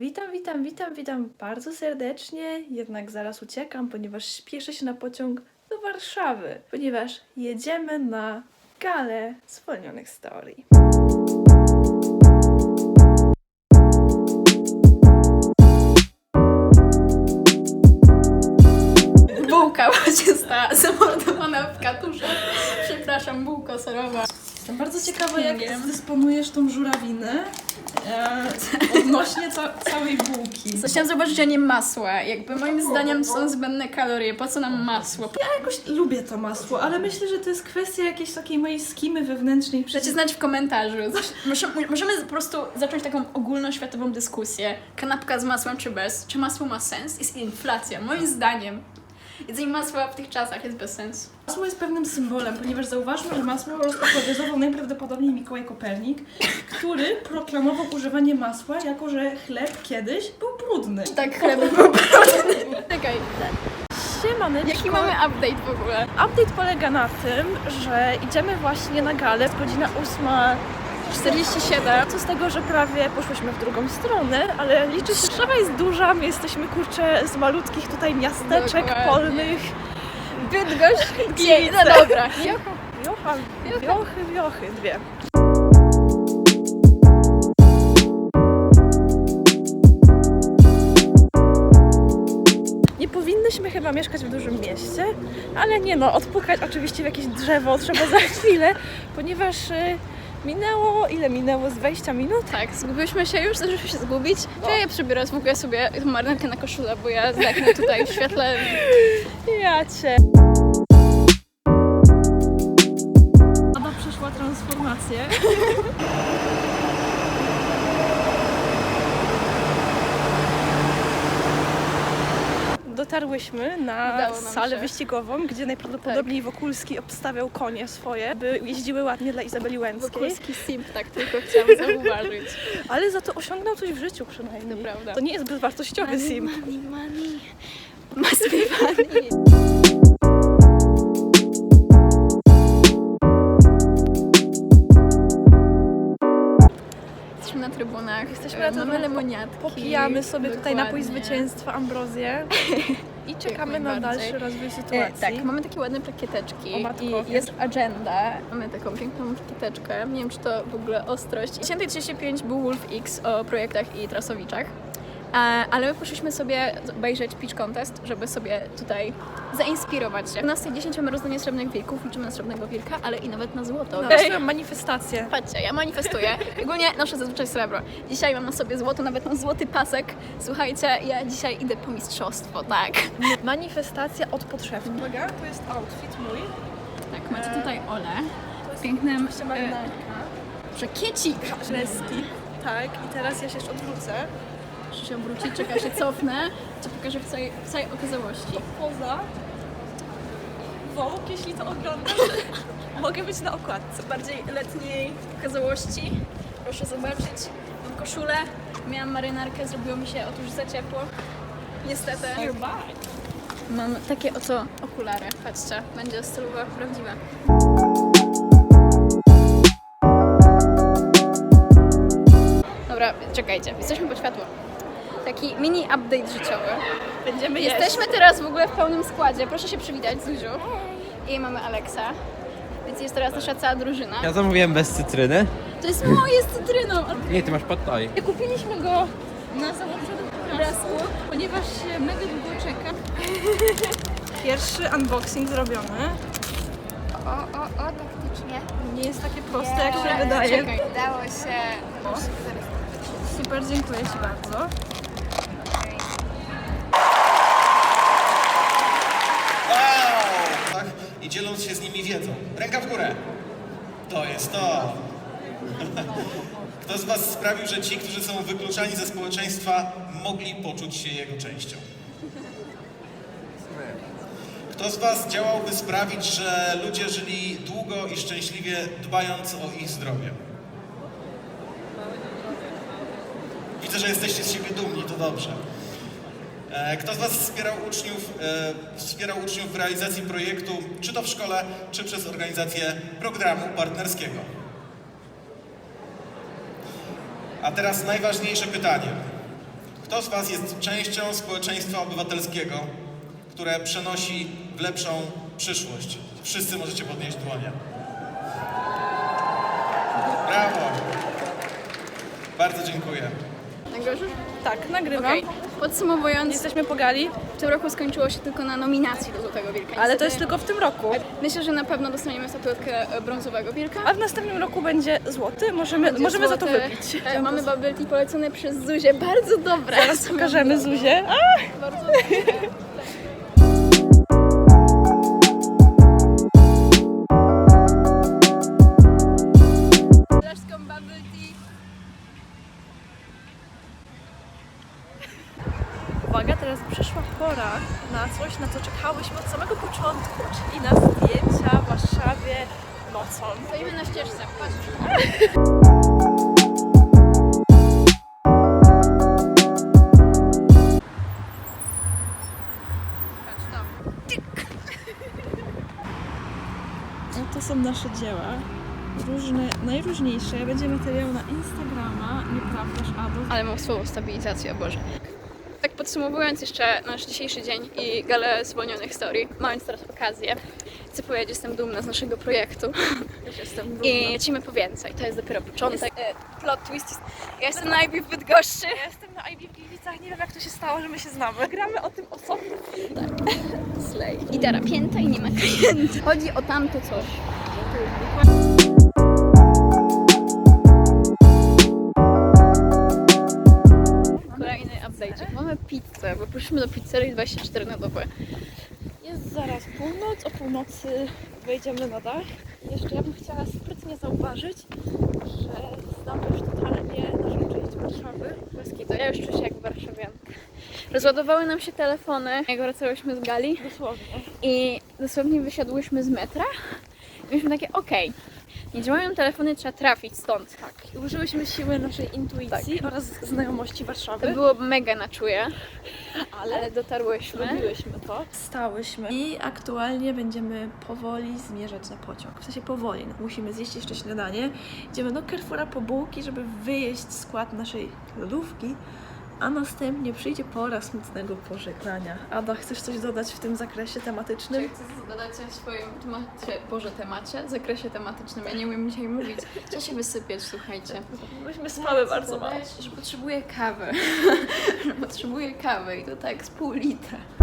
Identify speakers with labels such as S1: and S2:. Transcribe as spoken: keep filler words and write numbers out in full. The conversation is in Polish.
S1: Witam, witam, witam, witam bardzo serdecznie, jednak zaraz uciekam, ponieważ śpieszę się na pociąg do Warszawy, ponieważ jedziemy na galę zwolnionych story.
S2: Bułka właśnie została zamordowana w katurze. Przepraszam, bułko serowa.
S1: Jestem bardzo ciekawa, jak dysponujesz tą żurawinę e, odnośnie ca całej bułki.
S2: Chciałam zobaczyć, a nie masła. Jakby moim zdaniem są zbędne kalorie. Po co nam masło?
S1: Ja jakoś lubię to masło, ale myślę, że to jest kwestia jakiejś takiej mojej skimy wewnętrznej.
S2: Dajcie znać w komentarzu. Możemy, możemy po prostu zacząć taką ogólnoświatową dyskusję. Kanapka z masłem czy bez? Czy masło ma sens? Jest inflacja. Moim zdaniem jedzenie masła w tych czasach jest bez sensu.
S1: Masło jest pewnym symbolem, ponieważ zauważmy, że masło rozpopularyzował najprawdopodobniej Mikołaj Kopernik, który proklamował używanie masła, jako że chleb kiedyś był brudny.
S2: Tak, chleb był brudny. Czekaj,
S1: Siemaneczko.
S2: jaki mamy update w ogóle?
S1: Update polega na tym, że idziemy właśnie na galę, godzina ósma czterdzieści siedem, co z tego, że prawie poszłyśmy w drugą stronę, ale liczy się, że Warszawa jest duża, my jesteśmy kurczę z malutkich tutaj miasteczek
S2: Dokładnie.
S1: polnych.
S2: Bydgoszcz,
S1: Kielce.
S2: no dobra.
S1: Wiocha, wiochy, wiochy, dwie. Nie powinnyśmy chyba mieszkać w dużym mieście, ale nie no, odpukać oczywiście w jakieś drzewo trzeba za chwilę, ponieważ y, minęło, ile minęło? Z dwadzieścia minut?
S2: Tak, zgubiliśmy się już, zaczęliśmy się zgubić. Czy ja przebierać w ogóle sobie marynarkę na koszulę, bo ja zdechnę tutaj w świetle.
S1: Ja cię. Ada przeszła transformację. Dotarłyśmy na
S2: Udało nam
S1: salę
S2: się.
S1: wyścigową, gdzie najprawdopodobniej Wokulski obstawiał konie swoje, by jeździły ładnie dla Izabeli Łęckiej.
S2: Wokulski simp, tak tylko chciałam zauważyć.
S1: Ale za to osiągnął coś w życiu przynajmniej.
S2: To prawda.
S1: To nie jest bezwartościowy sim.
S2: Money, money, must be money. Jesteśmy na trybunach,
S1: Jesteśmy
S2: e,
S1: na
S2: mamy
S1: trybunach,
S2: lemoniatki.
S1: Popijamy sobie tutaj napój
S2: Dokładnie.
S1: zwycięstwa, ambrozję i czekamy na
S2: najbardziej.
S1: dalszy rozwój
S2: E,
S1: sytuacji.
S2: tak, mamy takie ładne plakieteczki
S1: O matko,
S2: i
S1: wiem.
S2: jest agenda. Mamy taką piękną plakieteczkę. Nie wiem, czy to w ogóle ostrość. dziesiąta trzydzieści pięć był Wolf X o projektach i trasowiczach. E, ale my poszliśmy sobie obejrzeć Pitch Contest, żeby sobie tutaj zainspirować się. U nas tej dziesięć mamy rozdanie srebrnych wilków, liczymy na srebrnego wilka, ale i nawet na złoto.
S1: No,
S2: Ej,
S1: swoją manifestację.
S2: patrzcie, ja manifestuję. Ogólnie noszę zazwyczaj srebro. Dzisiaj mam na sobie złoto, nawet mam złoty pasek. Słuchajcie, ja dzisiaj idę po mistrzostwo, tak.
S1: Manifestacja od podszewki. Uwaga, to jest outfit mój.
S2: Tak, macie tutaj Olę. W pięknym
S1: Jeszcze
S2: e,
S1: marynarka.
S2: przekiecik.
S1: Kreski. Tak, i teraz ja się jeszcze odwrócę.
S2: Muszę się obrócić, czekaj, się cofnę. Ci pokażę w całej, w całej okazałości.
S1: Poza. Wołk, jeśli to oglądasz, mogę być na okładce.
S2: W bardziej letniej okazałości. Proszę zobaczyć. Mam koszulę, miałam marynarkę, zrobiło mi się otóż za ciepło. Niestety. Mam takie oto okulary. Patrzcie, będzie stylowa, prawdziwa. Dobra, czekajcie, jesteśmy po światło. Taki mini update życiowy.
S1: Będziemy jeść.
S2: Jesteśmy teraz w ogóle w pełnym składzie. Proszę się przywitać, Zuziu. I mamy Aleksa. Więc jest teraz nasza cała drużyna.
S3: Ja zamówiłem bez cytryny.
S2: To jest moje z cytryną.
S3: Nie, ty masz pad thai.
S2: Kupiliśmy go na założonym obrazku, ponieważ się mega długo czeka.
S1: Pierwszy unboxing zrobiony.
S4: O, o, o, taktycznie.
S1: Nie jest takie proste, jak się wydaje.
S2: Czekaj.
S4: Udało się.
S1: Super, dziękuję Ci bardzo.
S5: Wow! Tak? I dzieląc się z nimi wiedzą. Ręka w górę. To jest to. Kto z Was sprawił, że ci, którzy są wykluczani ze społeczeństwa, mogli poczuć się jego częścią? Kto z Was działałby sprawić, że ludzie żyli długo i szczęśliwie, dbając o ich zdrowie? Widzę, że jesteście z siebie dumni, to dobrze. E, Kto z Was wspierał uczniów, e, wspierał uczniów w realizacji projektu, czy to w szkole, czy przez organizację programu partnerskiego? A teraz najważniejsze pytanie. Kto z Was jest częścią społeczeństwa obywatelskiego, które przenosi w lepszą przyszłość? Wszyscy możecie podnieść dłonie. Brawo! Bardzo dziękuję.
S2: Nagrywasz?
S1: Tak, nagrywam.
S2: Okej. Podsumowując,
S1: Jesteśmy po gali,
S2: w tym roku skończyło się tylko na nominacji do Złotego Wilka.
S1: ale to
S2: Niestety
S1: jest tylko w tym roku.
S2: Myślę, że na pewno dostaniemy statuetkę e, Brązowego Wilka.
S1: A w następnym roku będzie złoty, możemy,
S2: Będzie
S1: możemy za to
S2: złoty.
S1: wypić.
S2: E, Mamy bubble tea polecone przez Zuzię, bardzo dobre.
S1: Teraz pokażemy Zuzię. A!
S2: Bardzo dobre. Flaszką bubble tea.
S1: Uwaga, teraz przyszła pora na coś, na co czekałyśmy od samego początku, czyli na zdjęcia w Warszawie nocą.
S2: Stoimy na ścieżce, patrz. Patrz tam.
S1: No to są nasze dzieła. Różne, najróżniejsze. Będzie materiał na Instagrama, nieprawdaż, Ado?
S2: Ale mam słowo stabilizacja, Boże. Tak podsumowując jeszcze nasz dzisiejszy dzień i galę zwolnionych story, mając teraz okazję, chcę powiedzieć, że jestem dumna z naszego projektu
S1: Też jestem dumna.
S2: i lecimy po więcej. To jest dopiero początek. E, Plot twist jest... Ja jestem na I B w Bydgoszczy.
S1: Ja jestem na I B w Gliwicach, nie wiem jak to się stało, że my się znamy. Gramy o tym osobno.
S2: Slay. Litera pięta i nie ma klienta. Chodzi o tamto coś. Kolejny update. Mamy pizzę, bo poszliśmy do pizzerii dwadzieścia cztery na dobę.
S1: Jest zaraz północ, o północy wejdziemy na dach. Jeszcze ja bym chciała sprytnie zauważyć, że znam już totalnie naszą część Warszawy.
S2: Bez kitu, ja już czuję się jak warszawianka. Rozładowały nam się telefony, jak wracałyśmy z gali
S1: Dosłownie.
S2: i dosłownie wysiadłyśmy z metra i mieliśmy takie, okej, nie działają telefony, trzeba trafić stąd.
S1: Tak. I użyłyśmy siły naszej intuicji oraz znajomości Warszawy.
S2: To było mega na czuje,
S1: ale
S2: ale dotarłyśmy.
S1: zrobiłyśmy to. Stałyśmy i aktualnie będziemy powoli zmierzać na pociąg. W sensie powoli, no, musimy zjeść jeszcze śniadanie. Idziemy do Carrefoura po bułki, żeby wyjeść skład naszej lodówki, a następnie przyjdzie pora smutnego pożegnania. Ada, chcesz coś dodać w tym zakresie tematycznym?
S2: Czy chcesz dodać coś w swoim temacie, Boże, temacie, zakresie tematycznym? Ja nie umiem dzisiaj mówić. Trzeba się wysypiać, słuchajcie.
S1: Myśmy spały bardzo mało.
S2: Że potrzebuję kawy. Że potrzebuję kawy i to tak z pół litra.